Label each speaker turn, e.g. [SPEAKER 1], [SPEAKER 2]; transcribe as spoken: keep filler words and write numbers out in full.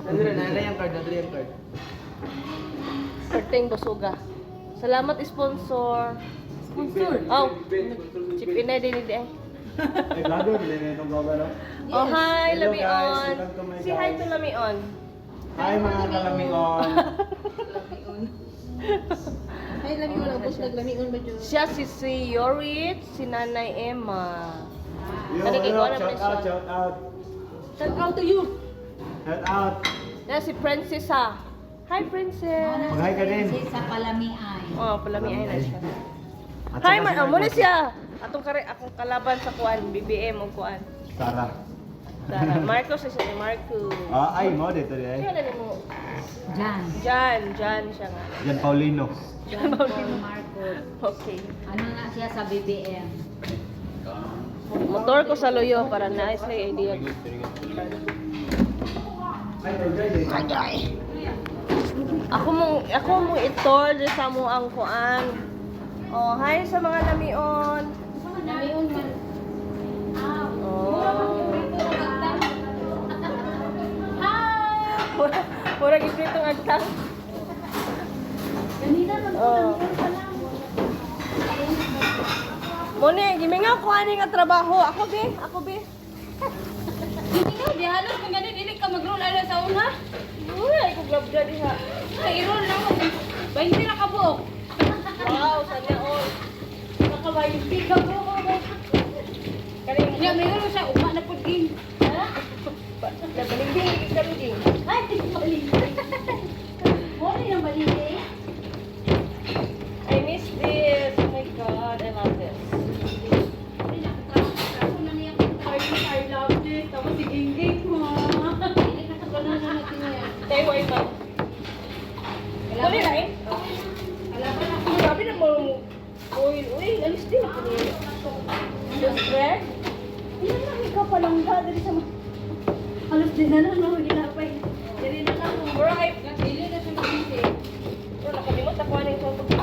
[SPEAKER 1] Nadre, nadre yung card, nadre yung card.
[SPEAKER 2] Perteng Bosuga. Salamat sponsor.
[SPEAKER 3] Sponsor.
[SPEAKER 2] Oh, chip in na din hindi eh.
[SPEAKER 4] Ay, vlogger, bilhin na itong vlogger, no?
[SPEAKER 2] Oh, hi,
[SPEAKER 4] Hello,
[SPEAKER 2] Lamion.
[SPEAKER 4] guys. Welcome to my
[SPEAKER 2] Say hi
[SPEAKER 4] guys.
[SPEAKER 2] to Lamion.
[SPEAKER 4] Hi, mga kalamion.
[SPEAKER 3] Ay, lami mo lang. Bus, naglamion ba dyan?
[SPEAKER 2] Siya si si Yorit, si Nanay Emma.
[SPEAKER 4] Yo,
[SPEAKER 2] Ano kay
[SPEAKER 4] yo,
[SPEAKER 2] Kuya
[SPEAKER 4] shout out,
[SPEAKER 2] Presyon?
[SPEAKER 4] shout out.
[SPEAKER 3] Shout out to you.
[SPEAKER 4] Shout out.
[SPEAKER 2] Yan si Princessa. Hi, Princess.
[SPEAKER 4] Mag-hi ka din.
[SPEAKER 5] Sa Palamiay.
[SPEAKER 2] Oh, palami ay na siya.
[SPEAKER 4] At
[SPEAKER 2] Hi,
[SPEAKER 4] saka
[SPEAKER 2] man.
[SPEAKER 4] si
[SPEAKER 2] Amo na
[SPEAKER 4] Marcos.
[SPEAKER 2] siya. Atong kare akong kalaban sa kuan, B B M o kuan.
[SPEAKER 4] Sarah.
[SPEAKER 2] Tara, Marcos is si Marco.
[SPEAKER 4] Ah, ay, mo dito
[SPEAKER 2] Kaya
[SPEAKER 4] din.
[SPEAKER 2] na mo.
[SPEAKER 5] Jan.
[SPEAKER 2] Jan, Jan siya nga.
[SPEAKER 4] Yan, Paulino.
[SPEAKER 5] Jan Paul Marcos.
[SPEAKER 2] Okay.
[SPEAKER 5] Ano na siya sa B B M?
[SPEAKER 2] Motor ko sa loyo para nice may idea. Ako mo ako mo itor sa mo ang kuan. Oh, hi sa mga lamion.
[SPEAKER 5] Namiun man.
[SPEAKER 2] Oh. Mura, mura gipritong agtang.
[SPEAKER 5] Ganina man po
[SPEAKER 2] Oh.
[SPEAKER 5] namiun pa lang.
[SPEAKER 2] Mone, gimingaw ko ani nga trabaho. Ako be, ako be.
[SPEAKER 5] Hindi nga, di halos kung ganun, dili ka mag-roll ano sa una.
[SPEAKER 2] Uy, ay ko grab dyan diha.
[SPEAKER 5] Ay, i-roll lang mo. Bahinti na ka buok.
[SPEAKER 2] Wow, sana all.
[SPEAKER 5] Nakabahinti ka buok.
[SPEAKER 2] Kaning
[SPEAKER 5] Nga, may ulo siya, uma na po din. Ha?
[SPEAKER 2] Nabaling-biling kami din.
[SPEAKER 5] Ay, di balik. Muna yung balik.
[SPEAKER 2] I miss this. Oh my God, I love this.
[SPEAKER 5] Ay, nakatrabaho na niya. Ay, I love this. Tapos si Gingging mo. Hindi na sa ganun na natin yan.
[SPEAKER 2] Tayo ay ma. Muli na eh.
[SPEAKER 5] Kalaban ako.
[SPEAKER 2] Grabe na mo. Uy, uy, alis din ako niya. Just bread?
[SPEAKER 5] Ilan lang ikaw palang ba? Dari sa mga... Halos din na lang ako ginapay. Dari na lang ako.
[SPEAKER 2] Bro, ay,
[SPEAKER 5] Dili na siya mag-isip.
[SPEAKER 2] bro, nakalimot ako ano yung